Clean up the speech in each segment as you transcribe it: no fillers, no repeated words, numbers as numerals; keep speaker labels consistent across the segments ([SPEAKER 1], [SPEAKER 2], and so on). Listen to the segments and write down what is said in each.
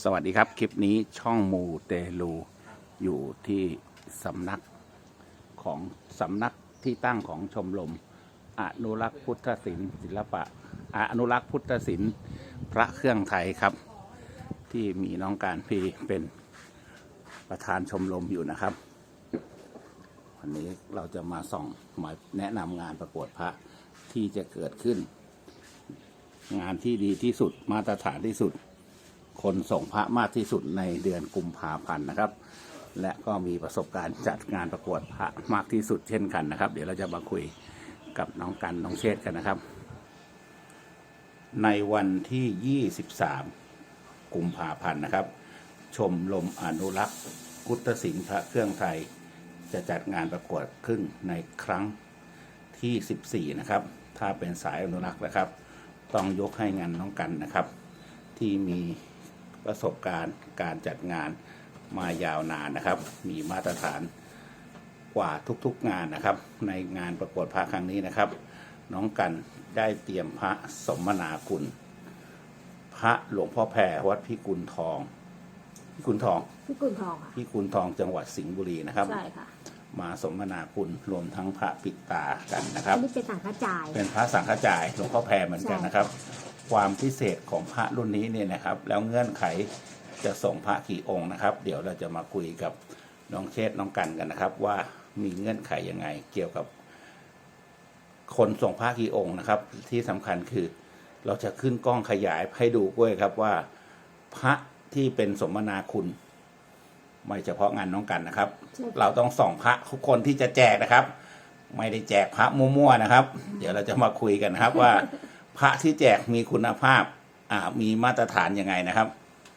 [SPEAKER 1] สวัสดีครับคลิปนี้ช่องมูเตลูอยู่ที่สำนักของสำนักที่ตั้งของชมรมอนุรักษ์พุทธศิลป์ศิลปะอนุรักษ์พุทธศิลป์พระเครื่องไทยครับที่มีน้องการพีเป็นประธานชมรมอยู่นะครับวันนี้เราจะมาส่องมาแนะนำงานประกวดพระที่จะเกิดขึ้นงานที่ดีที่สุดมาตรฐานที่สุดคนส่งพระมากที่สุดในเดือนกุมภาพันธ์นะครับและก็มีประสบการณ์จัดงานประกวดพระมากที่สุดเช่นกันนะครับเดี๋ยวเราจะมาคุยกับน้องกันน้องเชษกันนะครับในวันที่23กุมภาพันธ์นะครับชมรมอนุรักษ์พุทธศิลป์พระเครื่องไทยจะจัดงานประกวดขึ้นในครั้งที่14นะครับถ้าเป็นสายอนุรักษ์นะครับต้องยกให้งานน้องกันนะครับที่มีประสบการณ์การจัดงานมายาวนานนะครับมีมาตรฐานกว่าทุกๆงานนะครับในงานประกวดพระครั้งนี้นะครับน้องกันได้เตรียมพระสมนาคุณพระหลวงพ่อแพรวัดพิกุลทองค่ะพิกุลทองจังหวัดสิงห์บุรีนะครับ
[SPEAKER 2] ใช่ค่ะ
[SPEAKER 1] มาสมนาคุณรวมทั้งพระปิดตากันนะครับ
[SPEAKER 2] นี่เป็นสังฆจาย
[SPEAKER 1] เป็นพระสังฆจายหลวงพ่อแพรเหมือนกันนะครับความพิเศษของพระรุ่นนี้เนี่ยนะครับแล้วเงื่อนไขจะส่งพระกี่องค์นะครับเดี๋ยวเราจะมาคุยกับน้องเชษน้องกันกันนะครับว่ามีเงื่อนไขยังไงเกี่ยวกับคนส่งพระกี่องค์นะครับที่สำคัญคือเราจะขึ้นกล้องขยายให้ดูด้วยครับว่าพระที่เป็นสมนาคุณไม่เฉพาะงานน้องกันนะครับเราต้องส่องพระทุกคนที่จะแจกนะครับไม่ได้แจกพระมั่วๆนะครับเดี๋ยวเราจะมาคุยกันนะครับว่าพระที่แจกมีคุณภาพมีมาตรฐานยังไงนะครับ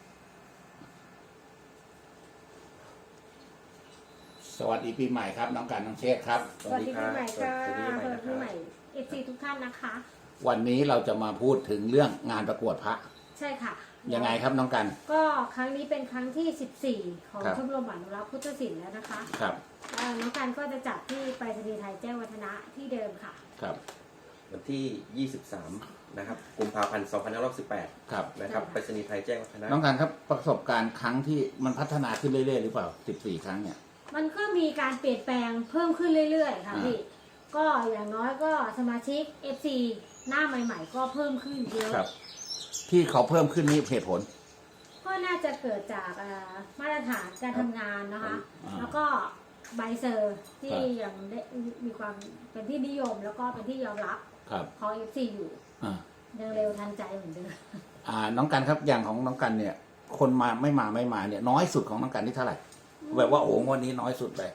[SPEAKER 1] สวัสดีปีใหม่ครับน้องกันน้องเชษครับ
[SPEAKER 2] สวัสดีปีใหม่ค่ะสวัสดีปีใหม่FC ทุกท่านนะคะ
[SPEAKER 1] วันนี้เราจะมาพูดถึงเรื่องงานประกวดพระ
[SPEAKER 2] ใช่ค่ะ
[SPEAKER 1] ยังไงครับน้องกัน
[SPEAKER 2] ก็ครั้งนี้เป็นครั้งที่14ของชมรมอนุรักษ์พุทธศิลป์แล้วนะคะ
[SPEAKER 1] ครับ
[SPEAKER 2] น้องกันก็จะจัดที่ไปรษณีย์ไทยแจ้งวัฒนะที่เดิมค่ะ
[SPEAKER 1] ครับ
[SPEAKER 3] วันที่23นะครับกุมภาพันธ์2518
[SPEAKER 1] ครับ
[SPEAKER 3] นะครับไปรษณีย์ไทยแจ้งวัฒนะ
[SPEAKER 1] น้องกันครับประสบการณ์ครั้งที่มันพัฒนาขึ้นเรื่อยๆหรือเปล่า14ครั้งเนี่ย
[SPEAKER 2] มันก็มีการเปลี่ยนแปลงเพิ่มขึ้นเรื่อยๆค่ะพี่ก็อย่างน้อยก็สมาชิก FC หน้าใหม่ๆก็เพิ่มขึ้นเยอะ
[SPEAKER 1] ครับที่เขาเพิ่มขึ้นนี่เหตุผล
[SPEAKER 2] ก็น่าจะเกิดจากมาตรฐานการทำงานนะคะแล้วก็ใบเซอร์ที่ยังได้มีความเป็นที่นิยมแล้วก็เป็นที่ยอมรับของ FC อยู่ยังเร็วทันใจเหมือนเดิม
[SPEAKER 1] น้องกันครับอย่างของน้องกันเนี่ยคนมาไม่มาเนี่ยน้อยสุดของน้องกันนี่เท่าไหร่แบบว่าโอ้งวันนี้น้อยสุดเลย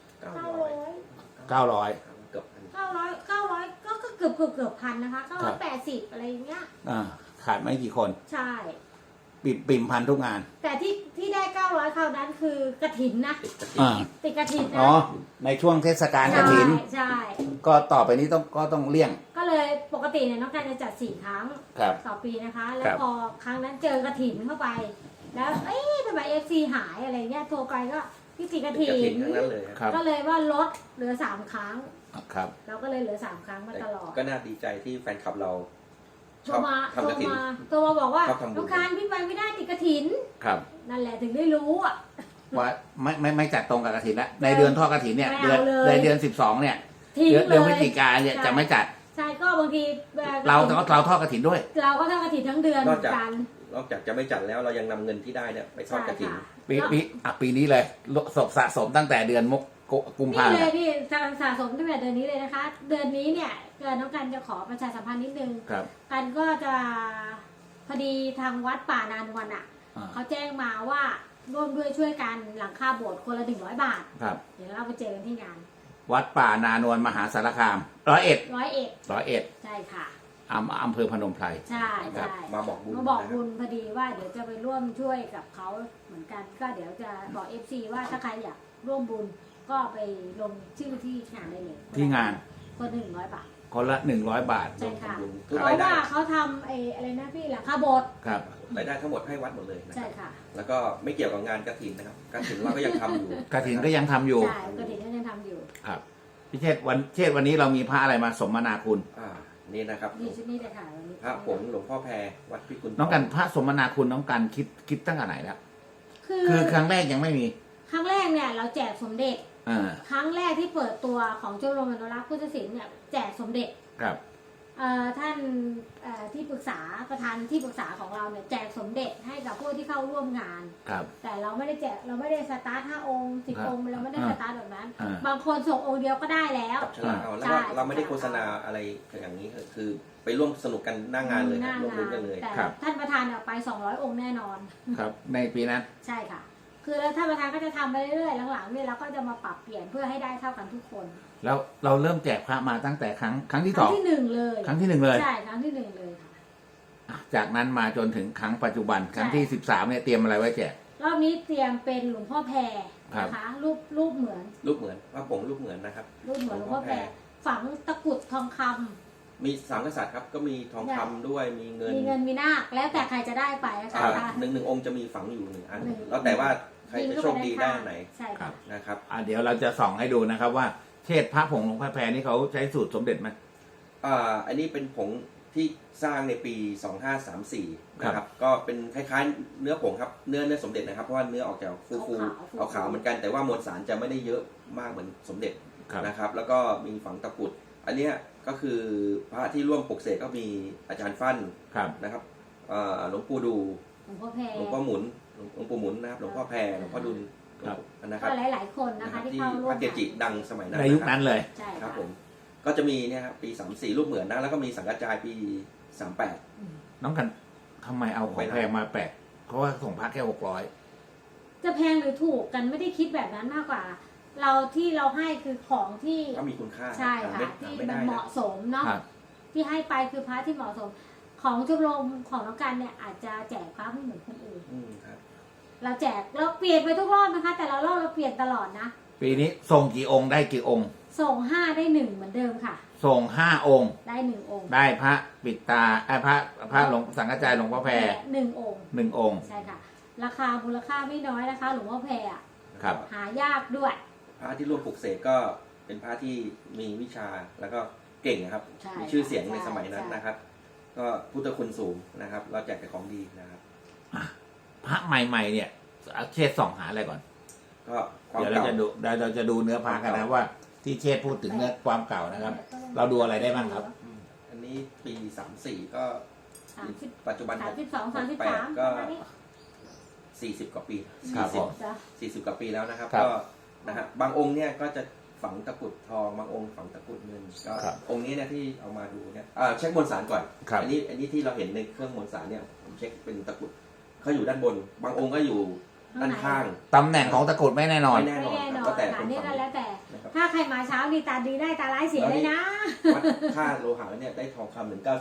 [SPEAKER 1] 900
[SPEAKER 2] เกือบพันนะคะ980อะไรอย่างเงี้ย
[SPEAKER 1] ขาดไม่กี่คน
[SPEAKER 2] ใช่
[SPEAKER 1] ปิ่มพันทุกงาน
[SPEAKER 2] แต่ที่ได้900คราวนั้นคือกฐินนะติดกฐินนะ
[SPEAKER 1] ในช่วงเทศกาลกฐิน
[SPEAKER 2] ใช่
[SPEAKER 1] ก็ต่อไปนี้ต้องเลี่ยง
[SPEAKER 2] ก็เลยปกติเนี่ยน้องการจะจัด4ครั้งต่อปีนะคะแล้วพอครั้งนั้นเจอกฐินเข้าไปแล้วทำไม FC หายอะไรเงี้ยโทรไปก็พี่ติดกฐินก็เลยว่าลดเหลือ3ครั้ง
[SPEAKER 1] ครับ
[SPEAKER 2] เราก็เลยเหลือ3ครั้งมาตลอด
[SPEAKER 3] ก็น่าดีใจที่แฟนคลับเรา
[SPEAKER 2] โทรมาบอกว่าลูกค้าพี่ไปไม่ได้ติดกฐิน
[SPEAKER 1] ครับ
[SPEAKER 2] นั่นแหละถึงได้รู้
[SPEAKER 1] ว่าไม่จัดตรงกับกฐินแล้วในเดือนทอดกฐินเนี่ยเดือน12เนี่ยเดือนพฤศจิกายนเนี่ยจะไม่จัด
[SPEAKER 2] ใช่ก็บางที
[SPEAKER 1] เราทอดกฐินด้วย
[SPEAKER 2] เราก็ทอดกฐินทั้งเดือนกัน
[SPEAKER 3] นอกจากจะไม่จัดแล้วเรายังนำเงินที่ได้เนี่ยไปทอดกฐิน
[SPEAKER 1] ปีนี้เลยสะสมตั้งแต่เดือนกุมภาพันธ์
[SPEAKER 2] นี่เลยพี่สะสมตั้งแต่เดือนนี้เลยนะคะเดือนนี้เนี่ยน้องกันจะขอประชาสัมพันธ์นิดนึงกันก็จะพอดีทางวัดป่านานวันเขาแจ้งมาว่าร่วมด้วยช่วยกันหลังคาโบสถ์คนละ100 บาทเดี๋ยวเราไปเจอกันที่งาน
[SPEAKER 1] วัดป่านานวลมหาสารคาม101ใ
[SPEAKER 2] ช่ค่ะ
[SPEAKER 1] อำเภอพนมไพร
[SPEAKER 2] ใช่
[SPEAKER 3] มาบอกบุ
[SPEAKER 2] ญพอดีว่าเดี๋ยวจะไปร่วมช่วยกับเขาเหมือนกันก็เดี๋ยวจะบอก FC ว่าถ้าใครอยากร่วมบุญก็ไปลงชื่อที่งานได้เลย
[SPEAKER 1] ที่งาน
[SPEAKER 2] คน100 บาท
[SPEAKER 1] คนละ100 บาท
[SPEAKER 2] ใช่ค่ะเพราะว่าเขาทำอะไรนะพี่หลังคาโบสถ์
[SPEAKER 1] ครับ
[SPEAKER 3] รายได้ทั้งหมดให้วัดหมดเลย
[SPEAKER 2] ใช่ค่ะ
[SPEAKER 3] แล้วก็ไม่เกี่ยวกับงานกฐินนะครับกฐินเราก็ยังทำอยู่
[SPEAKER 1] กฐินก็ยังทำอยู่
[SPEAKER 2] ใช่กฐินก็ยังทำอยู่
[SPEAKER 1] ครับพี่เชษวันนี้เรามีพระอะไรมาสมนาคุณ
[SPEAKER 3] วนี่นะครับ
[SPEAKER 2] นี่ชุดนี้เลยค่ะวันนี้
[SPEAKER 3] พระผงหลวงพ่อแพรวัดพิกุล
[SPEAKER 1] น้องกันพระสมนาคุณน้องกันคิดตั้งแต่ไหนแล้ว คือครั้งแรกยังไม่มี
[SPEAKER 2] ครั้งแรกเนี่ยเราแจกสมเด็จ
[SPEAKER 1] อ่า
[SPEAKER 2] ครั้งแรกที่เปิดตัวของชมรมอนุรักษ์พุทธศิลป์เนี่ยแจกสมเด็จ
[SPEAKER 1] ครับ
[SPEAKER 2] ท่านที่ปรึกษาประธานที่ปรึกษาของเราเนี่ยแจกสมเด็จให้กับผู้ที่เข้าร่วมงาน
[SPEAKER 1] ครับ
[SPEAKER 2] แต่เราไม่ได้แจกเราไม่ได้สตาร์ท5องค์10องค์เราไม่ได้สตาร์ทแบบนั้น
[SPEAKER 1] อ่า
[SPEAKER 2] บางคนส่งองค์เดียวก็ได้แล้ว
[SPEAKER 3] จับฉลากเอาแล้ว
[SPEAKER 2] ใช่
[SPEAKER 3] ก็เราไม่ได้โฆษณาอะไรอย่างนี้คือไปร่วมสนุกกันหน้างานเลย
[SPEAKER 2] หน้า
[SPEAKER 3] ร่วม
[SPEAKER 2] งา
[SPEAKER 3] รุ้
[SPEAKER 2] น
[SPEAKER 3] นกันเลย
[SPEAKER 2] แต่
[SPEAKER 1] ครับ
[SPEAKER 2] ท่านประธานเนี่ยไป200องค์แน่นอน
[SPEAKER 1] ครับ ในปีนั้น
[SPEAKER 2] ใช่ค่ะ คือแล้วท่านประธานก็จะทำไปเรื่อยๆหลังๆเนี่ยเราก็จะมาปรับเปลี่ยนเพื่อให้ได้เท่ากันทุกคน
[SPEAKER 1] แล้วเราเริ่มแจกพระมาตั้งแต่ครั้งที่
[SPEAKER 2] ค
[SPEAKER 1] ส
[SPEAKER 2] รั้
[SPEAKER 1] อง ง
[SPEAKER 2] ที่หนึ่งเลย
[SPEAKER 1] ครั้งที่หนึ่งเลย
[SPEAKER 2] ใช่ครั้งที่หนึ่งเลยค่ะ
[SPEAKER 1] อ่ะจากนั้นมาจนถึงครั้งปัจจุบันครั้งที่ 13เนี่ยเตรียมอะไรไว้แจก
[SPEAKER 2] รอบนี้เตรียมเป็นหลวงพ่อแพร
[SPEAKER 1] ครับ
[SPEAKER 2] นะคะรูปเหมือน
[SPEAKER 3] รูปเหมือนพระผงรูปเหมือนนะครับ
[SPEAKER 2] รูปเหมือนหลวงพ่อแพรฝังตะกรุดทองคำ
[SPEAKER 3] มีสามกษัตริย์ครับก็มีทองคำด้วยมีเงิน
[SPEAKER 2] มีเงินมีนาคแล้วแต่ใครจะได้ไปนะคะ
[SPEAKER 3] หนึ่งองค์จะมีฝังอยู่หนึ่งอัน
[SPEAKER 2] หนึ่ง
[SPEAKER 3] แล้วแต่ว่าใครจะโชคดีได้อันไหน
[SPEAKER 2] ใช่
[SPEAKER 1] ครั
[SPEAKER 2] ค่ะ
[SPEAKER 1] บ
[SPEAKER 3] นะครับ
[SPEAKER 1] เดี๋ยวเราจะส่องให้ดูนะครับว่าเชษพระผงหลวงพ่อแพรนี่เขาใช้สูตรสมเด็จไหม
[SPEAKER 3] อันนี้เป็นผงที่สร้างในปี 2534 นะครับ ก็เป็นคล้ายๆ เนื้อผงครับเนื้อสมเด็จนะครับ เพราะว่าเนื้อออกจากฟูๆขาวๆเหมือนกัน แต่ว่ามวลสารจะไม่ได้เยอะมากเหมือนสมเด็จ
[SPEAKER 1] ครับ
[SPEAKER 3] นะครับ แล้วก็มีฝังตะกรุด อันเนี้ยก็คือพระที่ร่วมปลุกเสกก็มีอาจารย์ฟั่น
[SPEAKER 1] ครับ
[SPEAKER 3] นะครับหลวงปู่ดู
[SPEAKER 2] หลวงพ่อแพร
[SPEAKER 3] หลวงพ่อหมุนหลวงปู่หมุนนะครับ หลวงพ่อแพรหลวงพ่อดุล
[SPEAKER 1] ครับ
[SPEAKER 3] นะครับ
[SPEAKER 2] ก็หลายๆคนนะคะที่
[SPEAKER 3] ที่
[SPEAKER 2] เข้าร่
[SPEAKER 3] พ
[SPEAKER 2] วม
[SPEAKER 3] ระเกจิดังสมัยนั้น
[SPEAKER 1] ในยุคนั้นเลย
[SPEAKER 2] ใช่
[SPEAKER 3] ครั
[SPEAKER 2] ค่ะ
[SPEAKER 3] บผม ก็จะมีเนี่ยครับปี 34 รูปเหมือนนะ แล้วก็มีสังกัจจายปี 38
[SPEAKER 1] น้องกันทำไมเอาของแพงมาแปะเพราะว่าส่งพระแค่600
[SPEAKER 2] จะแพงหรือถูกกันไม่ได้คิดแบบนั้นมากกว่า เราที่เราให้คือของที่
[SPEAKER 3] ก็มีคุณค่า
[SPEAKER 2] ใช่ค่ะ
[SPEAKER 3] ไม่
[SPEAKER 2] ที่
[SPEAKER 3] ไม่
[SPEAKER 2] มั
[SPEAKER 3] ได้
[SPEAKER 2] นเห
[SPEAKER 3] นะ
[SPEAKER 2] มาะสมเนาะ
[SPEAKER 1] ครับ
[SPEAKER 2] ที่ให้ไปคือพระที่เหมาะสม ของชมรมของน้องกันเนี่ยอาจจะแจกพระไม่เหมือนคนอื่น
[SPEAKER 3] ครับ
[SPEAKER 2] เราแจกเราเปลี่ยนไปทุกรอบนะคะ แต่ละรอบเราเปลี่ยนตลอดนะ
[SPEAKER 1] ปีนี้ส่งกี่องค์ได้กี่องค์
[SPEAKER 2] ส่ง5ได้1เหมือนเดิมค่ะ
[SPEAKER 1] ส่ง5 องค์
[SPEAKER 2] ได้1องค์
[SPEAKER 1] ได้พระปิดตาพระหลวงสังฆจายหลวงพ่อแพร
[SPEAKER 2] 1องค์
[SPEAKER 1] 1 องค์
[SPEAKER 2] ใช่ค่ะ ราคามูลค่าไม่น้อยนะคะ หลวงพ่อแพรอะ
[SPEAKER 1] ครับ
[SPEAKER 2] หายากด้วย
[SPEAKER 3] พระที่ร่วมปลุกเสกก็เป็นพระที่มีวิชาแล้วก็เก่งนะครับ
[SPEAKER 2] ใช่
[SPEAKER 3] มีชื่อเสียงใน
[SPEAKER 2] ใช่
[SPEAKER 3] สมัยนั้น
[SPEAKER 2] ใช่
[SPEAKER 3] นะครับ ก็พุทธคุณสูงนะครับ เราแจกแต่ของดีนะครับ
[SPEAKER 1] พระใหม่ๆเนี่ยเชษส่องหาอะไรก่อน
[SPEAKER 3] ก็ความ
[SPEAKER 1] เดี๋ยวเรา
[SPEAKER 3] เก่า
[SPEAKER 1] จะดูเราจะดูเนื้อพระกันนะว่าที่เชษพูดถึงเนื้อความเก่านะครับ เราดูอะไรได้บ้างครับ
[SPEAKER 3] อันนี้ปี 34 ก็
[SPEAKER 2] 30
[SPEAKER 3] ปัจจุบัน
[SPEAKER 2] 32 33
[SPEAKER 3] 68ก็
[SPEAKER 2] ประมาณนี้
[SPEAKER 3] 40 กว่าปี
[SPEAKER 1] ครับผม
[SPEAKER 2] จ้ะ
[SPEAKER 3] 40 กว่าปีแล้วนะครับ
[SPEAKER 1] ครับ
[SPEAKER 3] ก็นะฮะบางองค์เนี่ยก็จะฝังตะกรุดทองบางองค์ฝังตะกรุดเงินก็
[SPEAKER 1] ครับ
[SPEAKER 3] องค์นี้เนี่ยที่เอามาดูเนี่ยเช็คมวลสารก่อน
[SPEAKER 1] ครับ
[SPEAKER 3] อันี้ที่เราเห็นในเครื่องมวลสารเนี่ยผมเช็คเป็นตะกรุดเขาอยู่ด้านบน บางองค์ก็อยู่ด้านข้าง
[SPEAKER 1] ตำแหน่งของตะกรุดไม่แน่นอน
[SPEAKER 3] ไม่แน่น
[SPEAKER 2] ไม่
[SPEAKER 3] อน
[SPEAKER 2] แน่
[SPEAKER 3] คน รับ
[SPEAKER 2] อน
[SPEAKER 3] ก็แต่
[SPEAKER 2] ค่ะ
[SPEAKER 3] คน
[SPEAKER 2] นี่
[SPEAKER 3] ฝั
[SPEAKER 2] ก็
[SPEAKER 3] ง
[SPEAKER 2] แล้วแต่
[SPEAKER 3] นะครับ
[SPEAKER 2] ถ้าใครมาเช้านี่ตาดีได้ตาร้ายเสียเลยนะ
[SPEAKER 3] วัดค่าโลหะเนี่ยได้ทองคำถึง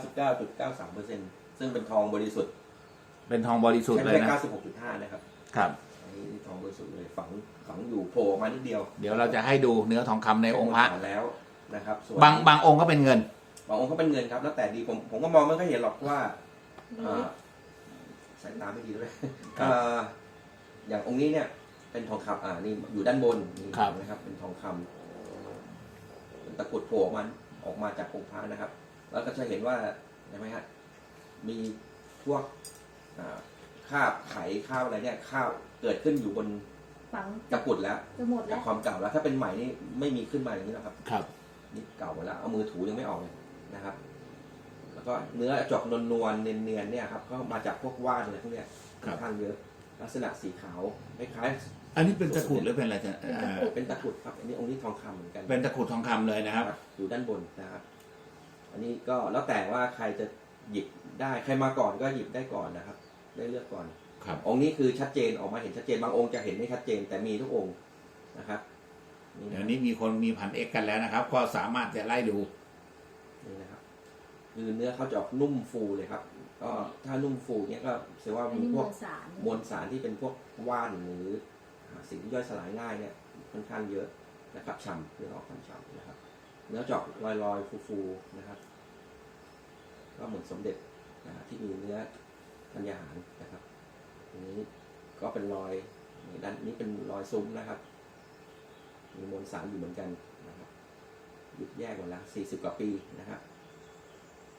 [SPEAKER 3] 99.93%ซึ่งเป็นทองบริสุทธิ์
[SPEAKER 1] เป็นทองบริสุทธิ์
[SPEAKER 3] ใช้
[SPEAKER 1] เลย
[SPEAKER 3] ไป
[SPEAKER 1] นะ
[SPEAKER 3] 96.5 นะครับ
[SPEAKER 1] ครับ
[SPEAKER 3] อันนี้ทองบริสุทธิ์เลยฝังอยู่โผล่ออกมานิดเดียว
[SPEAKER 1] เดี๋ยวเราจะให้ดูเนื้อทองคำในองค์พระ
[SPEAKER 3] เป็นมวลสาแล้วนะครับส่วน
[SPEAKER 1] บางองค์ก็เป็นเงิน
[SPEAKER 3] บางองค์ก็เป็นเงินครับ แล้วแต่ดีผมก็มองไม่ค่อยเห็นหรอกว่า
[SPEAKER 2] นี่
[SPEAKER 3] สายตาไม่ดีด้วย
[SPEAKER 1] ครับ
[SPEAKER 3] อย่างองค์นี้เนี่ยเป็นทองคำนี่อยู่ด้านบนนี่
[SPEAKER 1] ครับ
[SPEAKER 3] นะครับ เป็นทองคำเป็นตะกรุดโผล่ออกมาจากองค์พระนะครับ แล้วก็จะเห็นว่าเห็นไหมฮะมีพวกคราบไขคราบอะไรเนี่ยคราบเกิดขึ้นอยู่บน
[SPEAKER 2] ฝัง
[SPEAKER 3] ตะกรุดแล้ว
[SPEAKER 2] จะหมด
[SPEAKER 3] จา
[SPEAKER 2] แล้
[SPEAKER 3] ก
[SPEAKER 2] ว
[SPEAKER 3] ความเก่าแล้วถ้าเป็นใหม่นี่ไม่มีขึ้นมาอย่างนี้แล้วครับ
[SPEAKER 1] ครับ
[SPEAKER 3] นี่เก่าหมดแล้วเอามือถูยังไม่ออกเลยนะครับ แล้วก็เนื้อจอกนวลๆเนียนๆเนี่ยครับก็มาจากพวกว่านอะไรพวกเนี้ย
[SPEAKER 1] ครั
[SPEAKER 3] ค่อบ นข้างเยอะ ลักษณะสีขาวคล้าย
[SPEAKER 1] อันนี้เป็นตะกรุดหรือเป็นอะไรจะอ่า
[SPEAKER 3] ๆเป็นตะกรุดครับอันนี้องค์นี้ทองคำเหมือนกัน
[SPEAKER 1] เป็นตะกรุดทองคำเลยนะครับ
[SPEAKER 3] อยู่ด้านบนนะครับ อันนี้ก็แล้วแต่ว่าใครจะหยิบได้ใครมาก่อนก็หยิบได้ก่อนนะครับ ได้เลือกก่อน
[SPEAKER 1] ครับ
[SPEAKER 3] องค์นี้คือชัดเจนออกมาเห็นชัดเจนบางองค์จะเห็นไม่ชัดเจนแต่มีทุกองค์นะครับนี่
[SPEAKER 1] เดี๋ยว
[SPEAKER 3] นะ
[SPEAKER 1] นี้มีคนมีพันเอกกันแล้วนะครับ ก็สามารถจะไล่ดู
[SPEAKER 3] นี่นะครับคือเนื้อเขาจะออกนุ่มฟูเลยครับ ก็ถ้านุ่มฟูเนี้ยก็แสดงว่า
[SPEAKER 2] อัน
[SPEAKER 3] มี
[SPEAKER 2] นี้
[SPEAKER 3] พ
[SPEAKER 2] ม
[SPEAKER 3] ว
[SPEAKER 2] ว
[SPEAKER 3] ก
[SPEAKER 2] ลสาร
[SPEAKER 3] มวลสารที่เป็นพวกว่านหรือสิ่งที่ย่อยสลายง่ายเนี่ยค่อนข้างเยอะนะครับฉ่ำเนื้อออกฉ่ำนะครับ เนื้อจอกลอยๆฟูๆนะครับ ก็เหมือนสมเด็จที่มีเนื้อธัญญาหารนะครับอันนี้ก็เป็นรอยด้านนี้เป็นรอยซุ้มนะครับ มีมวลสารอยู่เหมือนกันนะครับหยุดแยกหมดแล้ว40 กว่าปีนะครับ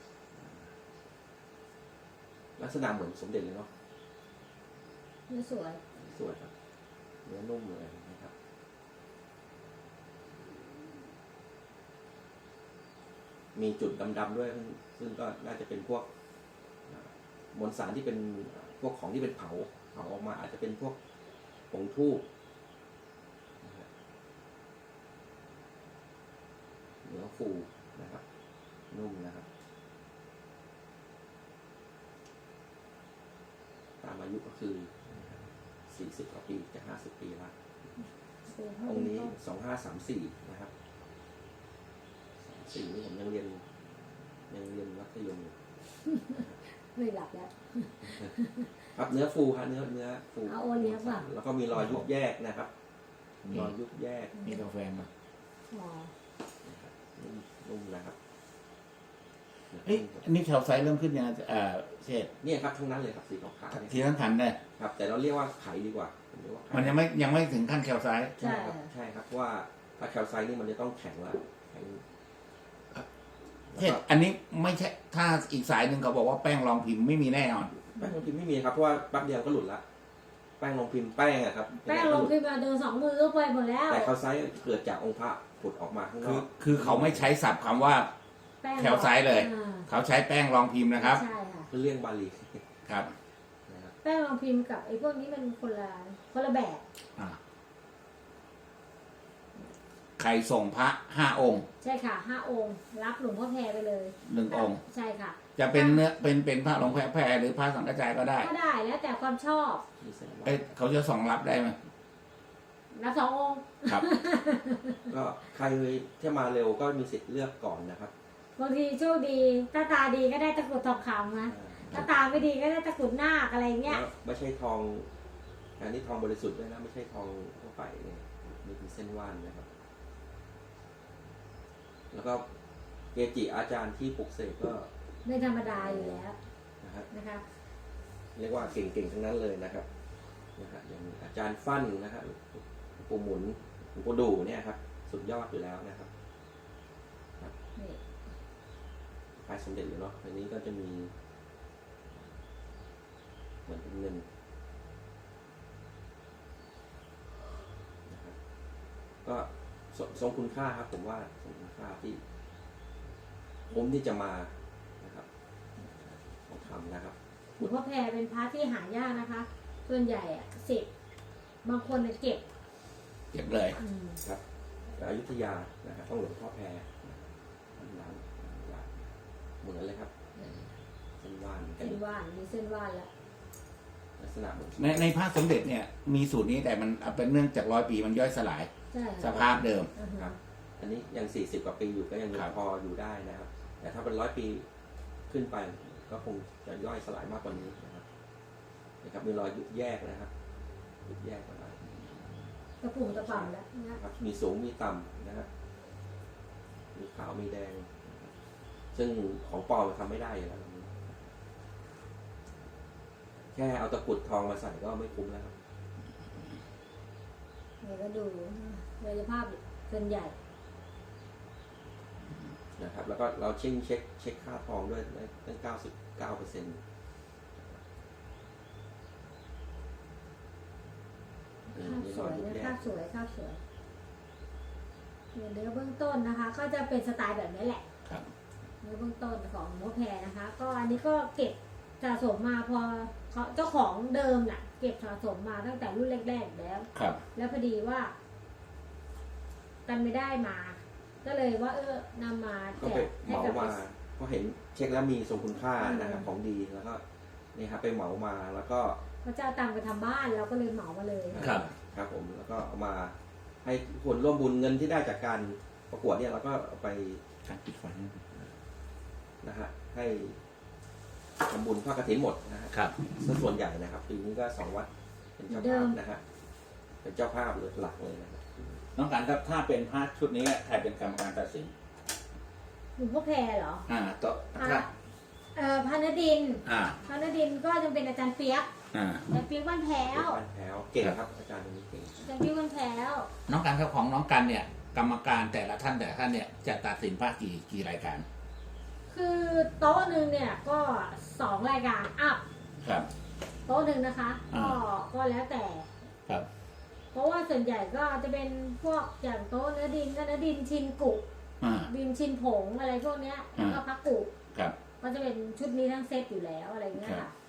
[SPEAKER 3] ลักษณะเหมือนสมเด็จเลยเนาะ
[SPEAKER 2] เนื้อสวย
[SPEAKER 3] สวยครับเนื้อนุ่มเลยนะครับ มีจุดดำๆด้วยซึ่งก็น่าจะเป็นพวกมวลสารที่เป็นพวกของที่เป็นเผาออกมาอาจจะเป็นพวกผงทูบนะครับเนื้อฟูนะครับนุ่มนะครับตามอายุก็คือ40 กว่าปีจะ50 ปีละองค์นี้2534นะครับ34นี่ผมยังเรียนมัธยมอยู่
[SPEAKER 2] ไม่หลับแล้ว
[SPEAKER 3] ครับเนื้อฟูครับเนื้อฟู
[SPEAKER 2] เอาโอเลี้ยงป่ะ
[SPEAKER 3] แล้วก็มีรอยยุบแยกนะครับรอยยุบแยก
[SPEAKER 1] มีกาแฟมา
[SPEAKER 2] อ๋อ
[SPEAKER 3] นะครับนุ่มนะครับ
[SPEAKER 1] เอ้ยอันนี้แคลไซต์เริ่มขึ้นยังเชษ
[SPEAKER 3] เนี่ยครับทั้งนั้นเลยครับสีขาวๆเนี่ย
[SPEAKER 1] ทีทั้งคันได้
[SPEAKER 3] ครับ แต่เราเรียกว่าไขดีกว่าผมเรียกว่าไข
[SPEAKER 1] มันยังไม่ถึงขั้นแคลไซต์
[SPEAKER 3] ใช่ครับใช่ครับเพราะว่าถ้าแคลไซต์นี่มันจะต้องแข็งแล้วแข็ง
[SPEAKER 1] เชษอันนี้ไม่ใช่ถ้าอีกสายหนึ่งเขาบอกว่าแป้งรองพิมพ์ไม่มีแน่นอน
[SPEAKER 3] แป้งลงพิมพ์ไม่มีครับเพราะว่าแป๊บเดียวก็หลุดละแป้งลงพิมพ์แป้งอะครับ
[SPEAKER 2] แป้งลงพิมพ์มาเดิน2 มือก็ไปหมดแล้ว
[SPEAKER 3] แต่แคลไซต์เกิดจากองค์พระผุดออกมาข้างนอก
[SPEAKER 1] คือเขาไม่ใช้ศัพท์คำว่า
[SPEAKER 2] แป้ง
[SPEAKER 1] แคลไซต์เลย
[SPEAKER 2] อ่า
[SPEAKER 1] เขาใช้แป้งรองพิมพ์นะครับ
[SPEAKER 2] ใช่ค่ะ
[SPEAKER 3] คือเลี่ยงบาลี
[SPEAKER 1] ครับ
[SPEAKER 3] นะครับ
[SPEAKER 2] แป้งลงพิมพ์กับไอ้พวกนี้มันคนละแบบ
[SPEAKER 1] อ่าใครส่งพระ5 องค์
[SPEAKER 2] ใช่ค่ะ5 องค์รับหลวงพ่อแพรไปเลย
[SPEAKER 1] 1 องค์
[SPEAKER 2] ใช่ค่ะ
[SPEAKER 1] จะเป็นเนื้อเป็นพระหลวงแพรหรือพระสังฆจายก็ได้
[SPEAKER 2] ก็ได้แล้วแต่ความชอบ
[SPEAKER 3] มีเส้นวา
[SPEAKER 1] เอ้ยเขาจะส่งรับได้ไหม
[SPEAKER 2] รับ2 องค์
[SPEAKER 1] ครับ
[SPEAKER 3] ก็ใครที่มาเร็วก็มีสิทธิ์เลือกก่อนนะครับ
[SPEAKER 2] บางทีโชคดีถ้าตาดีก็ได้ตะกรุดทองคำนะถ้าตาไม่ดีก็ได้ตะกรุดนาคอะไรเงี้ย
[SPEAKER 3] แล้วไม่ใช่ทองอันนี้ทองบริสุทธิ์ด้วยนะไม่ใช่ทองทั่วไปเนี่ยนี่เป็นเส้นว่านนะครับ แล้วก็เกจิอาจารย์ที่ปลุกเสกก็
[SPEAKER 2] ไม่ธรรมดาอยู่แล้ว
[SPEAKER 3] นะครับ
[SPEAKER 2] นะคะ
[SPEAKER 3] เรียกว่าเก่งๆทั้งนั้นเลยนะครับอย่างอาจารย์ฟั่นนะครับปู่หมุนหลวงปู่ดูเนี่ยครับสุดยอดอยู่แล้วนะครับ
[SPEAKER 2] นี่
[SPEAKER 3] คล้ายสมเด็จอยู่เนาะอันนี้ก็จะมีเหมือนเป็นเงินนะครับก็ทรงคุณค่าครับผมว่าทรงคุณค่าที่คุ้มที่จะมานะครับของทำนะครับ
[SPEAKER 2] หลวงพ่อแพรเป็นพระที่หายากนะคะ ส่วนใหญ่อะ10บางคนเก็บ
[SPEAKER 1] เก็บเลย
[SPEAKER 3] ครับอยุธยานะครับต้องหลวงพ่อแพรร้านเหมือนเลยครับเส้นว่านกัน
[SPEAKER 2] เส้นว่านมีเส้นว่านแล้ว
[SPEAKER 3] ลักษณะเหมือน
[SPEAKER 1] ในพระสมเด็จเนี่ยมีสูตรนี้แต่มันเป็นเนื่องจาก100 ปีมันย่อยสลาย
[SPEAKER 2] ใช่
[SPEAKER 1] สภาพเดิม
[SPEAKER 2] อือ
[SPEAKER 3] ค
[SPEAKER 2] ฮึ
[SPEAKER 3] รับ อันนี้ยัง40 กว่าปีอยู่ก็ยัง
[SPEAKER 1] ครับ
[SPEAKER 3] พออยู่ได้นะครับ แต่ถ้าเป็น100 ปีขึ้นไปก็คงจะย่อยสลายมากกว่านี้นะครับมีรอยยุบแยกนะครับยุบแยกอะไร
[SPEAKER 2] กระปุ่มกระป่ำแล้วนะ
[SPEAKER 3] ครับมีสูงมีต่ำนะครับมีขาวมีแดงนะครับซึ่งของปลอมมันทำไม่ได้อยู่แล้วแค่เอาตะกรุดทองมาใส่ก็ไม่คุ้มแล้วครับ
[SPEAKER 2] เดี๋ยวก็ดูกายภาพส่วนใหญ่
[SPEAKER 3] นะครับ แล้วก็เราเช็คค่าทองด้วยตั้ง99%
[SPEAKER 2] ภาพสวยนะภาพสวยภาพสวยเนื้อเบื้องต้นนะคะ ก็จะเป็นสไตล์แบบนี้แหละ
[SPEAKER 1] ครับ
[SPEAKER 2] เนื้อเบื้องต้นของหลวงพ่อแพรนะคะ ก็อันนี้ก็เก็บสะสมมาพอเขาเจ้าของเดิมน่ะ เก็บสะสมมาตั้งแต่รุ่นแรกๆแล้ว
[SPEAKER 1] ครับ
[SPEAKER 2] แล้วพอดีว่า กันไม่ได้มา ก็เลยว่า นำมา
[SPEAKER 3] ก็
[SPEAKER 2] แจ
[SPEAKER 3] ไป
[SPEAKER 2] ก
[SPEAKER 3] เห
[SPEAKER 2] ให้
[SPEAKER 3] มา
[SPEAKER 2] กับ
[SPEAKER 3] มาก็เห็นเช็คแล้วมีทรงคุณค่านะครับของดีแล้วก็นี่ครับไปเหมามาแล้วก็
[SPEAKER 2] พระเจ้าตังค์ไปทำบ้านเราก็เลยเหมามาเลย
[SPEAKER 1] ครับ
[SPEAKER 3] ครับผมแล้วก็เอามาให้คนร่วมบุญเงินที่ได้จากการประกวดเนี่ยเราก็เอาไป
[SPEAKER 1] การปิดไฟ
[SPEAKER 3] นะฮะให้ทำบุญทอดกฐินหมดนะฮะ
[SPEAKER 1] ครับ
[SPEAKER 3] ส่วนใหญ่นะครับปีนี้ก็2 วัดเป็นเจ้าภาพนะฮะเป็นเจ้าภาพเลยหลักเลยนะครับ
[SPEAKER 1] น้องการครับถ้าเป็นพระชุดนี้ใครเป็นกรรมการตัดสิน
[SPEAKER 2] หลวงพ่อแพรเหรอ
[SPEAKER 1] ต่อ
[SPEAKER 2] พระ
[SPEAKER 1] ครับ
[SPEAKER 2] พระนดิน
[SPEAKER 1] อ่า
[SPEAKER 2] พระนดินก็จะเป็นอาจารย์เปียก
[SPEAKER 1] อ่า
[SPEAKER 2] อาจารย์เปียกบ้านแพ้ว
[SPEAKER 3] บ้านแพ้วเก่งครับอาจารย์คนนี้เก่ง
[SPEAKER 2] อาจารย์เปียกบ้านแพ้ว
[SPEAKER 1] น้องการครับของน้องกันเนี่ย กรรมการแต่ละท่านเนี่ยจะตัดสินพระกี่รายการ
[SPEAKER 2] คือโต๊ะหนึ่งเนี่ยก็2 รายการอัพ
[SPEAKER 1] ครับ
[SPEAKER 2] โต๊ะหนึ่งนะคะ
[SPEAKER 1] อ่า
[SPEAKER 2] ก็แล้วแต่
[SPEAKER 1] ครับ
[SPEAKER 2] เพราะว่าส่วนใหญ่ก็จะเป็นพวกอย่างโต๊ะเนื้อดินก็เนื้อดินชินกุ
[SPEAKER 1] อ่า
[SPEAKER 2] ดินชินผงอะไรพวกเนี้ยแล้วก็พักกุ
[SPEAKER 1] ครับ
[SPEAKER 2] ก็จะเป็นชุดนี้ทั้งเซตอยู่แล้วอะไรเงี้ย
[SPEAKER 1] ครั
[SPEAKER 2] ค่ะ
[SPEAKER 1] บ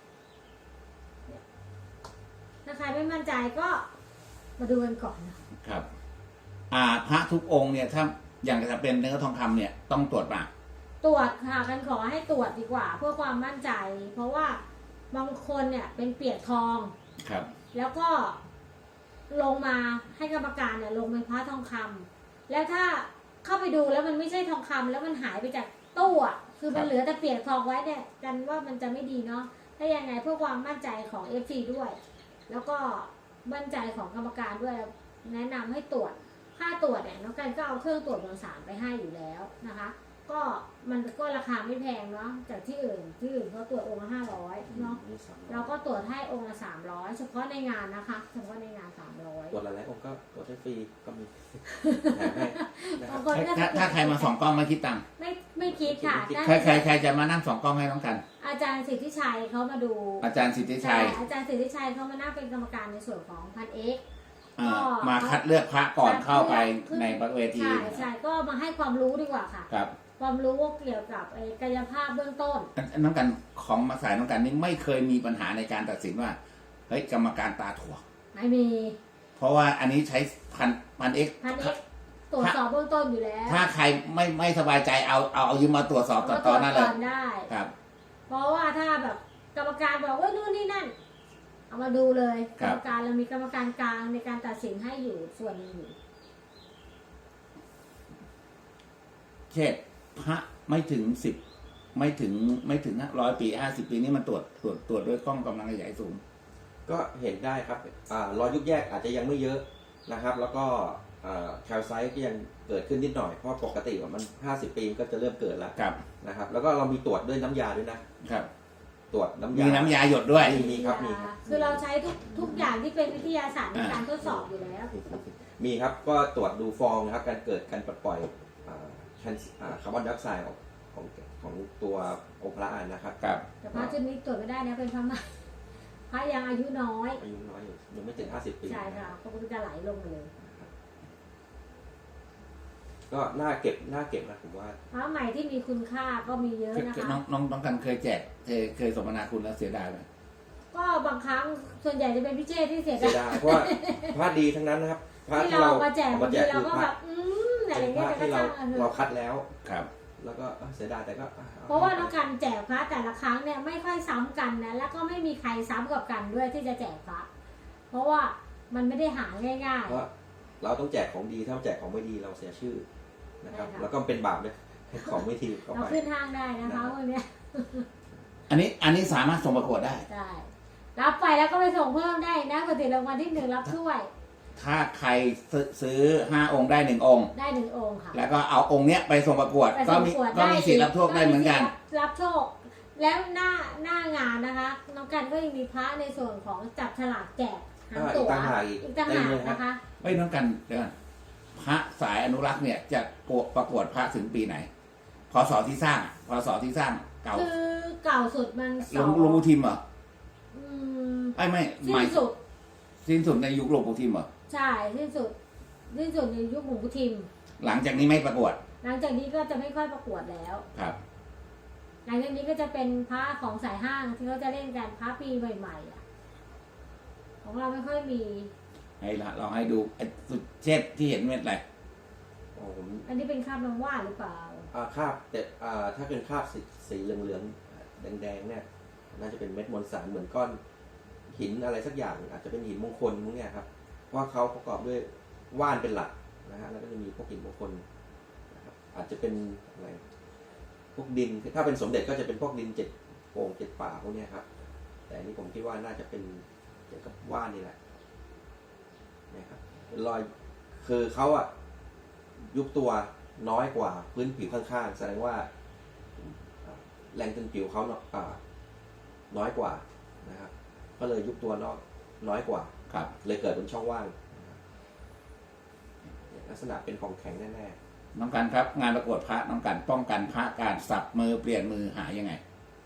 [SPEAKER 2] ถ้าใครไม่มั่นใจก็มาดูกันก่อนนะครับ
[SPEAKER 1] พระทุกองค์เนี่ยถ้าอย่างจะเป็นเนื้อทองคำเนี่ยต้องตรวจมา
[SPEAKER 2] ตรวจค่ะกันขอให้ตรวจดีกว่า เพื่อความมั่นใจ เพราะว่าบางคนเนี่ยเป็นเปียกทอง
[SPEAKER 1] ครับ
[SPEAKER 2] แล้วก็ลงมาให้กรรมการเนี่ยลงเป็นพระทองคำแล้วถ้าเข้าไปดูแล้วมันไม่ใช่ทองคำแล้วมันหายไปจากตู้อ่ะคือมันเหลือแต่เปียกทองไว้เนี่ยกันว่ามันจะไม่ดีเนาะถ้ายังไงเพื่อความมั่นใจของ FC ด้วย แล้วก็มั่นใจของกรรมการด้วยแนะนำให้ตรวจค่าตรวจเนี่ยน้องกันก็เอาเครื่องตรวจมวลสารไปให้อยู่แล้วนะคะ ก็มันก็ราคาไม่แพงเนาะจากที่อื่นเขาตรวจองค์ละ500เนาะ
[SPEAKER 3] นี่300
[SPEAKER 2] เราก็ตรวจให้องค์ละ300เฉพาะในงานนะคะเฉพาะในงาน300
[SPEAKER 3] ตรวจหลายๆองค์ก็ตรวจให้ฟรีก็มีแถมให้นะครับ
[SPEAKER 2] บางคนก็
[SPEAKER 1] ถ้าใครมาส่องกล้องไม่คิดตังค์
[SPEAKER 2] ไม่คิดค่ะ
[SPEAKER 1] ใครจะมานั่งส่องกล้องให้น้องกัน
[SPEAKER 2] อาจารย์สิทธิชัยเขามาดู
[SPEAKER 1] อาจารย์สิทธิชัย
[SPEAKER 2] อาจารย์สิทธิชัยเขามานั่งเป็นกรรมการในส่วนของพันเอก
[SPEAKER 1] มาคัดเลือกพระก่อนเข้าไปในเวที
[SPEAKER 2] ใช่ก็มาให้ความรู้ดีกว่าค่ะ
[SPEAKER 1] ครับ
[SPEAKER 2] ความรู้เกี่ยวกับกายภาพเบื้องต้น
[SPEAKER 1] น้องกันของมาสายน้องกันนี่ไม่เคยมีปัญหาในการตัดสินว่าเฮ้ยกรรมการตาถั่ว
[SPEAKER 2] ไม่มี
[SPEAKER 1] เพราะว่าอันนี้ใช้พันเอ็ก
[SPEAKER 2] พันเอกตรวจสอบเบื้องต้นอยู่แล้ว
[SPEAKER 1] ถ้าใครไม่สบายใจเอายืมมาตรวจสอบต่อหน้าเลย
[SPEAKER 2] ก่อนได้
[SPEAKER 1] ครับ
[SPEAKER 2] เพราะว่าถ้าแบบกรรมการบอกว่านู่นนี่นั่น เอามาดูเลย
[SPEAKER 1] ค
[SPEAKER 2] ก
[SPEAKER 1] รั
[SPEAKER 2] ร
[SPEAKER 1] บ
[SPEAKER 2] รมการเรามีกรรมการกลางในการตัดสินให้อยู่ส่วนหนึงอยู่
[SPEAKER 1] เช่นพระไม่ถึง10ไม่ถึง100 ปี50 ปีนี่มันตรวจด้วยกล้องกำลังขยายสูง
[SPEAKER 3] ก็เห็นได้ครับรอยยุบแยกอาจจะยังไม่เยอะนะครับ แล้วก็แคลไซต์ก็ยังเกิดขึ้นนิดหน่อย เพราะปกติมัน 50 ปีก็จะเริ่มเกิดแล้ว
[SPEAKER 1] ครับ
[SPEAKER 3] นะครับ แล้วก็เรามีตรวจด้วยน้ำยาด้วยนะ
[SPEAKER 1] ครับ
[SPEAKER 3] ตรวจน้ำ
[SPEAKER 1] มี
[SPEAKER 3] ยา
[SPEAKER 1] น้ำยาหยดด้วย
[SPEAKER 3] มีครับมีครับ
[SPEAKER 2] คือเราใช้ทุกอย่างที่เป็นวิทยาศาสตร์ในการทดสอบอยู่แล้ว
[SPEAKER 3] มีครับก็ตรวจดูฟองนะครับการเกิดการปลดปล่อยคาร์บอนไดออกไซด์ของตัวองค์พระนะครับ
[SPEAKER 1] ครับ
[SPEAKER 2] แต่พระชุดนี้ตรวจไม่ได้นะเป็นพระใหม่พระยังอายุน้อย
[SPEAKER 3] อายุน้อยอยู่ยังไม่ถึง 50 ปี
[SPEAKER 2] ใช่ค่ะก็จะไหลลงมาเลย
[SPEAKER 3] ก็น่าเก็บนะผมว่า
[SPEAKER 2] พระใหม่ที่มีคุณค่าก็มีเยอะนะคะ
[SPEAKER 1] น้องกันเคยแจกเคยสมนาคุณแล้วเสียดายไหม
[SPEAKER 2] ก็บางครั้งส่วนใหญ่จะเป็นพิเชษที่เสีย
[SPEAKER 3] เสีย
[SPEAKER 2] ดาย
[SPEAKER 3] ดายเพราะว่าพระดีทั้งนั้นนะครับพระ
[SPEAKER 2] ที่
[SPEAKER 3] ที่
[SPEAKER 2] เรา
[SPEAKER 3] เรา
[SPEAKER 2] มาแจกบางทีเรา
[SPEAKER 3] คือ
[SPEAKER 2] ก็
[SPEAKER 3] พ
[SPEAKER 2] แบ
[SPEAKER 3] ระ
[SPEAKER 2] บอะไร
[SPEAKER 3] เป็น
[SPEAKER 2] เงี้
[SPEAKER 3] พ
[SPEAKER 2] ย
[SPEAKER 3] ระ
[SPEAKER 2] แต่ก็
[SPEAKER 3] ที่
[SPEAKER 2] ช่าง
[SPEAKER 3] เราคัดแล้ว
[SPEAKER 1] ครับ
[SPEAKER 3] แล้วก็เสียดายแต่ก็
[SPEAKER 2] เพราะว่าน้องกันแจกพระแต่ละครั้งเนี่ยไม่ค่อยซ้ำกันนะแล้วก็ไม่มีใครซ้ำกับกันด้วยที่จะแจกพระเพราะว่ามันไม่ได้หาง่าย
[SPEAKER 3] เพราะเราต้องแจกของดีถ้าแจกของไม่ดีเราเสียชื่อนะครับ
[SPEAKER 2] ใช่ค่ะ
[SPEAKER 3] แล้วก็เป็นบาปเลยให้ของไม่ดีเข้า
[SPEAKER 2] ๆเรา
[SPEAKER 3] ไป
[SPEAKER 2] ขึ้นห้างได้นะคะพวกเนี้ย
[SPEAKER 1] อันนี้สามารถส่งประกวดได้
[SPEAKER 2] ได้รับไปแล้วก็ไปส่งเพิ่มได้นะปกติรางวัลที่ 1รับถ้วย
[SPEAKER 1] ถ้าใครซื้อ5 องค์ได้1 องค์
[SPEAKER 2] ได้1องค์ค่ะ
[SPEAKER 1] แล้วก็เอาองค์เนี้ยไปส่งประกวด
[SPEAKER 2] ไป
[SPEAKER 1] ก็
[SPEAKER 2] ส่ง
[SPEAKER 1] มี
[SPEAKER 2] ประกวด
[SPEAKER 1] ก็มีสิทธิ์รับโชคได้เหมือนกัน
[SPEAKER 2] รับโชค แล้วหน้างานนะคะน้องกันก็ยังมีพระในส่วนของจับฉลากแจกหางตั๋ว
[SPEAKER 3] อีกต่างหากอีก
[SPEAKER 2] อีกต่างหากนะคะ
[SPEAKER 1] ไม่น้องกันเดี๋ยวก่อนพระสายอนุรักษ์เนี่ยจะประกวดพระถึงปีไหนพศที่สร้างเก่า
[SPEAKER 2] คือเก่าสุดมัน
[SPEAKER 1] หลวงปู่ทิมเหรอ
[SPEAKER 2] อืม
[SPEAKER 1] ไม่
[SPEAKER 2] สิ้
[SPEAKER 1] หมาย
[SPEAKER 2] นสุด
[SPEAKER 1] สิ้นสุดในยุคหลวงปู่ทิมเหรอ
[SPEAKER 2] ใช่สิ้นสุดในยุคหลวงปู่ทิม
[SPEAKER 1] หลังจากนี้ไม่ประกวด
[SPEAKER 2] หลังจากนี้ก็จะไม่ค่อยประกวดแล้ว
[SPEAKER 1] ครับ
[SPEAKER 2] หลังจากนี้ก็จะเป็นพระของสายห้างที่เขาจะเล่นกันพระปีใหม่ๆอ่ะของเราไม่ค่อยมี
[SPEAKER 1] ให้ลองให้ดูไอ้สุดเช็ดที่เห็นเม็ดอะไร
[SPEAKER 3] โอ้ผม
[SPEAKER 2] อันนี้เป็นคราบน้ำว่านหรือเปล่า
[SPEAKER 3] คราบแต่ถ้าเป็นคราบสีเหลืองๆแดงๆเนี่ยน่าจะเป็นเม็ดมวลสารเหมือนก้อนหินอะไรสักอย่างอาจจะเป็นหินมงคลพวกเนี้ยครับเพราะเขาประกอบด้วยว่านเป็นหลักนะฮะแล้วก็จะมีพวกหินมงคลนะครับอาจจะเป็นอะไรพวกดินถ้าเป็นสมเด็จก็จะเป็นพวกดิน7 โป่ง7 ป่าพวกเนี้ยครับแต่อันนี้ผมคิดว่าน่าจะเป็นเกี่ยวกับว่านนี่แหละนะครับเป็นรอยคือเขาอะยุบตัวน้อยกว่าพื้นผิวข้างๆแสดงว่าแรงตึงผิวเขาน้อยกว่านะครับก็เลยยุบตัวนอกน้อยกว่า
[SPEAKER 1] ครับ
[SPEAKER 3] เลยเกิดเป็นช่องว่างนะครับลักษณะเป็นของแข็งแน่
[SPEAKER 1] น้องกันครับ งานประกวดพระน้องกันป้องกันพระการสับมือเปลี่ยนมือหายังไง
[SPEAKER 3] ๆ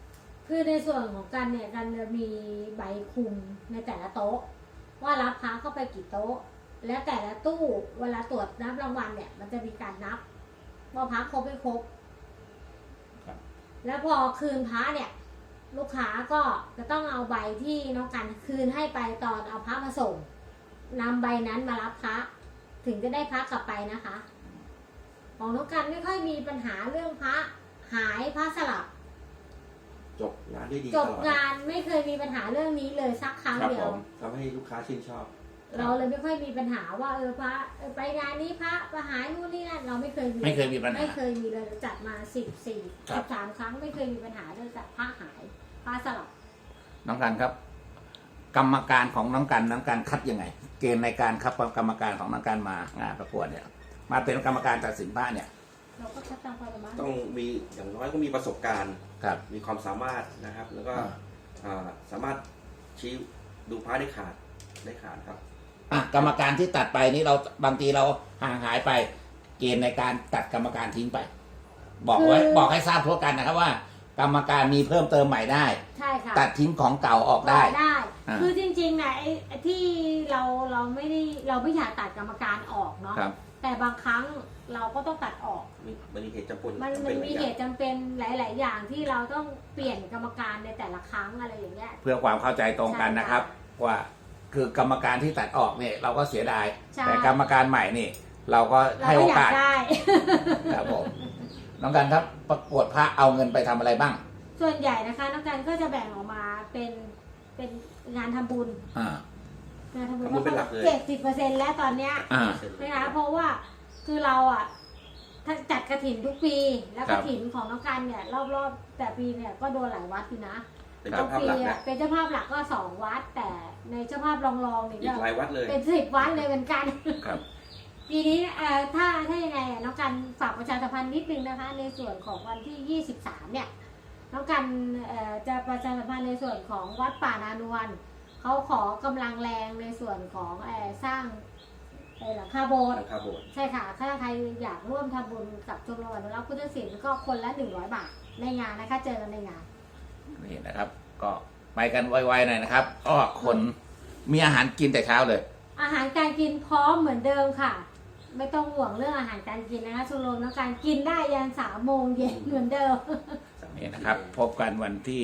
[SPEAKER 2] คือในส่วนของกันเนี่ยกันจะมีใบคุมในแต่ละโต๊ะ ว่ารับพระเข้าไปกี่โต๊ะ และแต่ละตู้เวลาตรวจนับรางวัลเนี่ย มันจะมีการนับว่าพระครบไม่ครบ
[SPEAKER 1] ครับ
[SPEAKER 2] แล้วพอคืนพระเนี่ย ลูกค้าก็จะต้องเอาใบที่น้องกันคืนให้ไปตอนเอาพระมาส่งนำใบนั้นมารับพระ ถึงจะได้พระกลับไปนะคะ ของน้องกันไม่ค่อยมีปัญหาเรื่องพระหายพระสลับ
[SPEAKER 3] จบงานได้ดี
[SPEAKER 2] จ
[SPEAKER 3] ต
[SPEAKER 2] บ
[SPEAKER 3] ลอด
[SPEAKER 2] งานไม่เคยมีปัญหาเรื่องนี้เลยสักครั้ง
[SPEAKER 1] ครับ
[SPEAKER 2] เดียว
[SPEAKER 1] ผม
[SPEAKER 3] ทำให้ลูกค้าชื่นชอบ
[SPEAKER 2] เราเลยไม่ค่อยมีปัญหาว่าพระไปงานนี้พระมาหายนู่นนี่นั่นเราไม่เคยมี
[SPEAKER 1] ไม่เคยมีปัญหา
[SPEAKER 2] ไม่เคยมีเลยจัดมา
[SPEAKER 1] ครับ
[SPEAKER 2] 13 ครั้งไม่เคยมีปัญหาเรื่องพระหายพระสลับ
[SPEAKER 1] น้องกันครับ กรรมการของน้องกันคัดยังไง เกณฑ์ในการคัดกรรมการของน้องกันมางานประกวดเนี่ย มาเป็นกรรมการตัดสินพระเนี่ย
[SPEAKER 2] เราก็คัดตามความสามารถ
[SPEAKER 3] ต้องมีอย่างน้อยก็มีประสบการณ์
[SPEAKER 1] ครับ
[SPEAKER 3] มีความสามารถนะครับ แล้วก็สามารถชี้ดูพระได้ขาดครับ
[SPEAKER 1] อ่ะกรรมการที่ตัดไปนี่เราบางทีเราห่างหายไป เกณฑ์ในการตัดกรรมการทิ้งไป บอกไว้บอกให้ทราบทั่วกันนะครับว่า กรรมการมีเพิ่มเติมใหม่ได้
[SPEAKER 2] ใช่ค่ะ
[SPEAKER 1] ตัดทิ้งของเก่าออกได้
[SPEAKER 2] ได้
[SPEAKER 1] อ่า
[SPEAKER 2] คือจริงๆนะไอ้ที่เราไม่อยากตัดกรรมการออกเนาะ
[SPEAKER 1] ครับ
[SPEAKER 2] แต่บางครั้งเราก็ต้องตัดออก
[SPEAKER 3] มันมีเหตุจำเป็น
[SPEAKER 2] มันมีเหตุจำเป็นหลาย ๆ อย่างที่เราต้องเปลี่ยนกรรมการในแต่ละครั้งอะไรอย่างเงี้ย
[SPEAKER 1] เพื่อความเข้าใจตรงกันนะครับ ว่าคือกรรมการที่ตัดออกเนี่ยเราก็เสียดาย
[SPEAKER 2] ใช่
[SPEAKER 1] แต่กรรมการใหม่นี่ เราก็
[SPEAKER 2] เรา
[SPEAKER 1] ให้
[SPEAKER 2] ก็
[SPEAKER 1] โอ
[SPEAKER 2] อยาก
[SPEAKER 1] กาส
[SPEAKER 2] ได้
[SPEAKER 1] ครับผมน้องกันครับประกวดพระเอาเงินไปทำอะไรบ้าง
[SPEAKER 2] ส่วนใหญ่นะคะน้องกันก็จะแบ่งออกมาเป็นงานทำบุญ
[SPEAKER 1] อ่า
[SPEAKER 2] งานทำบุญ
[SPEAKER 3] ทำบุญเป็นหลักเลย
[SPEAKER 2] 70%แล้วตอนเนี้ย
[SPEAKER 1] อ่า
[SPEAKER 2] นะคะเพราะว่าคือเราอ่ะถ้าจัดกระถินทุกปี แล้ว
[SPEAKER 1] ครั
[SPEAKER 2] ก
[SPEAKER 1] บ
[SPEAKER 2] ระถินของน้องกันเนี่ยรอบๆแต่ปีเนี่ยก็โดนหลายวัดอยู่นะ
[SPEAKER 3] เป็นเจ้าภาพ
[SPEAKER 2] ปี
[SPEAKER 3] หลัก
[SPEAKER 2] อะ
[SPEAKER 3] นะ
[SPEAKER 2] เป็นเจ้าภาพหลักก็2 วัด แต่ในเจ้าภาพรองๆเนี่ย
[SPEAKER 3] อีกหลายวัดเลย
[SPEAKER 2] เป็น10 วัดเลยเหมือนกัน
[SPEAKER 1] ครับ
[SPEAKER 2] ปีนี้ถ้ายังไงน้องกันฝากประชาสัมพันธ์นิดนึงนะคะ ในส่วนของวันที่ 23 เนี่ยน้องกันจะประชาสัมพันธ์ในส่วนของวัดป่านานวลเขาขอกำลังแรงในส่วนของสร้างหลังคาโบสถ์
[SPEAKER 3] หลังคาโบสถ์
[SPEAKER 2] ใช่ค่ะ ถ้าใครอยากร่วมทำบุญกับชมรมอนุรักษ์พุทธศิลป์ก็คนละ100 บาทในงานนะคะ เจอกันในงาน
[SPEAKER 1] นี่นะครับ ก็ไปกันไวๆหน่อยนะครับก็คนมีอาหารกินแต่เช้าเลย
[SPEAKER 2] อาหารการกินพร้อมเหมือนเดิมค่ะ ไม่ต้องห่วงเรื่องอาหารการกินนะคะชมรมน้องการกินได้ยัน3 โมงเย็นเหมือนเดิม
[SPEAKER 1] นี่นะครับ พบกันวันที่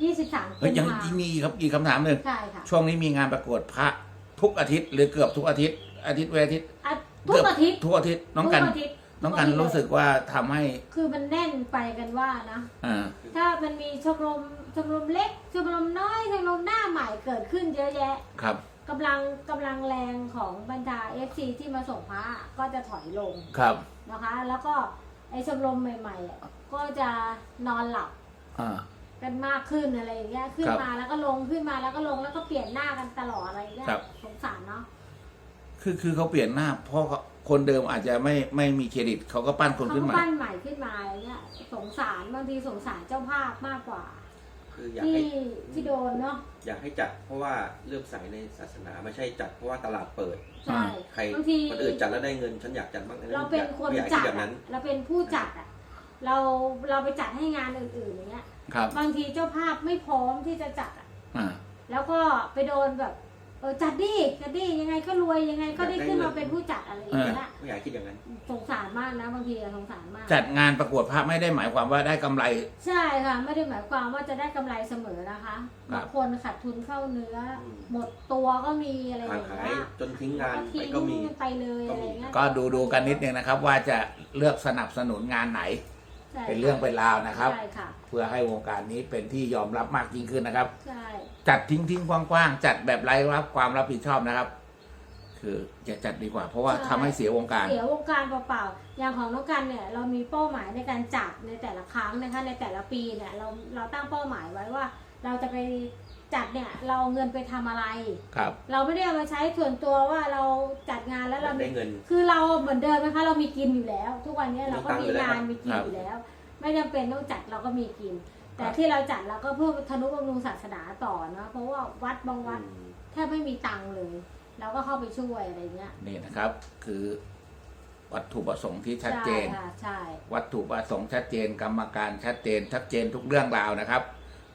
[SPEAKER 2] 23
[SPEAKER 1] เฮ้ยยัง
[SPEAKER 2] กุมภา
[SPEAKER 1] มีครับอีกคำถามหนึ่ง
[SPEAKER 2] ใช่ค่ะ
[SPEAKER 1] ช่วงนี้มีงานประกวดพระทุกอาทิตย์หรือเกือบทุกอาทิตย์เว้นอาทิตย์
[SPEAKER 2] ทุกอาทิตย์
[SPEAKER 1] ทุกอาทิตย์น้องกัน
[SPEAKER 2] ทุอาทิตย์
[SPEAKER 1] น้องกันรู้สึกว่าทำให้
[SPEAKER 2] คือมันแน่นไปกันว่านะ
[SPEAKER 1] อ่า
[SPEAKER 2] ถ้ามันมีชมรมเล็กชมรมน้อยชมรมหน้าใหม่เกิดขึ้นเยอะแยะ
[SPEAKER 1] ครับ
[SPEAKER 2] กำลังแรงของบรรดา FC ที่มาส่งพระก็จะถอยลง
[SPEAKER 1] ครับ
[SPEAKER 2] นะคะ แล้วก็ไอ้ชมรมใหม่ๆอ่ะก็จะนอนหลับ
[SPEAKER 1] อ่า
[SPEAKER 2] กันมากขึ้นอะไรอย่างเงี้ยขึ้น
[SPEAKER 1] ครับ
[SPEAKER 2] มาแล้วก็ลงขึ้นมาแล้วก็ลงแล้วก็เปลี่ยนหน้ากันตลอดอะไรอย่างเงี้ย
[SPEAKER 1] ครับ
[SPEAKER 2] สงสารเนาะ
[SPEAKER 1] คือเขาเปลี่ยนหน้า เพราะคนเดิมอาจจะไม่มีเครดิตเขาก็ปั้นคน
[SPEAKER 2] เขา
[SPEAKER 1] ขึ้น
[SPEAKER 2] ก็
[SPEAKER 1] มา
[SPEAKER 2] ปั้นใหม่ขึ้นมาอย่างเงี้ยสงสารบางทีสงสารเจ้าภาพมากกว่า
[SPEAKER 3] คืออยาก
[SPEAKER 2] ที่
[SPEAKER 3] ให้
[SPEAKER 2] ที่โดนเนาะ
[SPEAKER 3] อยากให้จัดเพราะว่าเลื่อมใสในศาสนาไม่ใช่จัดเพราะว่าตลาดเปิด
[SPEAKER 2] ใช่
[SPEAKER 3] ใคร
[SPEAKER 2] บางที
[SPEAKER 3] คนอื่นจัดแล้วได้เงินฉันอยากจัดบ้าง
[SPEAKER 2] เราเป็นคน
[SPEAKER 3] ไม่อยาก
[SPEAKER 2] จั
[SPEAKER 3] คิ
[SPEAKER 2] ด
[SPEAKER 3] ดแบบ
[SPEAKER 2] อะ
[SPEAKER 3] นั้น
[SPEAKER 2] เราเป็นผู้จัดอ่ะเราไปจัดให้งานอื่นๆอย่างเงี้ย
[SPEAKER 1] ครับ
[SPEAKER 2] บางทีเจ้าภาพไม่พร้อมที่จะจัดอ่ะ
[SPEAKER 1] อ่า
[SPEAKER 2] แล้วก็ไปโดนแบบจัดดิยังไงก็รวยยังไงก็ได้ขึ้นมาเป็นผู้จัดอะไรอย่างเงี้ย
[SPEAKER 3] ไม่อยากคิดอย่างนั้น
[SPEAKER 2] สงสารมากนะบางทีอะสงสารมาก
[SPEAKER 1] จัดงานประกวดพระไม่ได้หมายความว่าได้กำไร
[SPEAKER 2] ใช่ค่ะไม่ได้หมายความว่าจะได้กำไรเสมอนะคะ
[SPEAKER 1] ครับ
[SPEAKER 2] บางคนขาดทุนเข้าเนื้อ หมดตัวก็มีอะไรอ
[SPEAKER 3] ห่าง
[SPEAKER 2] ย่าง
[SPEAKER 3] หาย
[SPEAKER 2] เงี้ย
[SPEAKER 3] จนทิ้งงาน
[SPEAKER 2] ทิ้
[SPEAKER 3] ไป
[SPEAKER 2] ง
[SPEAKER 3] ก็มี
[SPEAKER 2] ไปเลยอะไรเงี้ย
[SPEAKER 1] ก็ดูกันนิดนึงนะครับ ว่าจะเลือกสนับสนุนงานไหน
[SPEAKER 2] ใช่
[SPEAKER 1] เป็นเรื่องเป็นราวนะครับ
[SPEAKER 2] ใช่ค่ะ
[SPEAKER 1] เพื่อให้วงการนี้เป็นที่ยอมรับมากยิ่งขึ้นนะครับ
[SPEAKER 2] ใช่
[SPEAKER 1] จัดทิ้งกว้างๆจัดแบบไร้รับความรับผิดชอบนะครับ คืออย่าจัดดีกว่า เพราะว่าทำให้เสียวงการ
[SPEAKER 2] เสียวงการเปล่าๆอย่างของน้องกันเนี่ยเรามีเป้าหมายในการจัดในแต่ละครั้งนะคะในแต่ละปีเนี่ยเราตั้งเป้าหมายไว้ว่า เราจะไปจัดเนี่ยเราเอาเงินไปทำอะไร
[SPEAKER 1] ครับ
[SPEAKER 2] เราไม่ได้เอามาใช้ส่วนตัวว่าเราจัดงานแล้วเรา
[SPEAKER 3] ได้เงิน
[SPEAKER 2] คือเราเหมือนเดิมนะคะเรามีกินอยู่แล้ว ทุกวันนี้เราก็มีงาน
[SPEAKER 3] มี
[SPEAKER 2] มี
[SPEAKER 3] ตั
[SPEAKER 2] กิ
[SPEAKER 3] ง
[SPEAKER 2] น
[SPEAKER 3] ค์อยู่แล้ว
[SPEAKER 2] อยู่แล้ว ไม่จำเป็นต้องจัดเราก็มีกิน แต่
[SPEAKER 1] ครับ
[SPEAKER 2] ที่เราจัดเราก็เพื่อทนุบำรุงศาสนาต่อนะเพราะว่าวัดบางวัด
[SPEAKER 3] อืม
[SPEAKER 2] แทบไม่มีตังค์เลย เราก็เข้าไปช่วยอะไรเงี้ย
[SPEAKER 1] นี่นะครับ คือวัตถุประสงค์ที่ชัดเจน
[SPEAKER 2] ใช่ค่ะใช่
[SPEAKER 1] วัตถุประสงค์ชัดเจน กรรมการชัดเจนทุกเรื่องราวนะครับ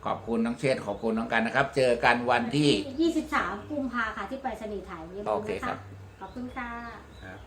[SPEAKER 1] ขอบคุณน้องเชษฐ์ขอบคุณน้องกันนะครับ เจอกันวันที่
[SPEAKER 2] 23 กุมภาค่ะที่ไปรษณีย์ไทยอย่าลืม
[SPEAKER 1] โอเค
[SPEAKER 2] นะ
[SPEAKER 1] ครั
[SPEAKER 2] คะ
[SPEAKER 1] บ
[SPEAKER 2] ขอบคุณค่ะ